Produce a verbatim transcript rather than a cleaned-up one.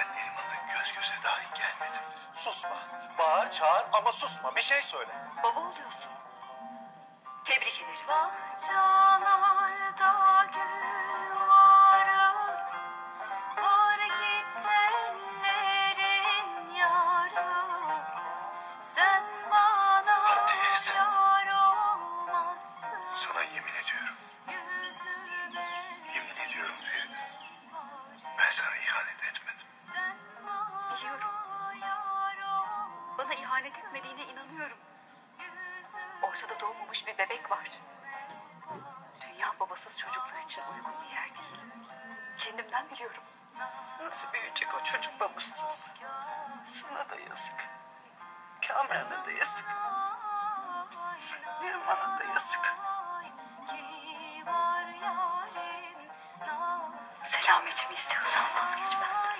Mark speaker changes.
Speaker 1: Ben Neriman'la göz göze dahi gelmedim.
Speaker 2: Susma. Bağır, çağır ama susma. Bir şey söyle.
Speaker 3: Baba oluyorsun. Tebrik ederim.
Speaker 4: Bahçalarda gül varım, var git ellerin yarım. Sen bana
Speaker 1: Ateş.
Speaker 4: yar olmazsın.
Speaker 1: Sana yemin ediyorum.
Speaker 4: Yüzüme
Speaker 1: Yemin ediyorum Feride. Ben sana ihanet etmedim.
Speaker 4: sen bana
Speaker 3: Biliyorum.
Speaker 4: yar olmazsın.
Speaker 3: Bana ihanet etmediğine inanıyorum. Ortada doğmamış bir bebek var. Dünya babasız çocuklar için uygun bir yer değil. Kendimden biliyorum. Nasıl büyüyecek o çocuk babasız? Sana da yazık. Kamran'a da yazık. Neriman'a da yazık. Selametimi istiyorsan vazgeç benden.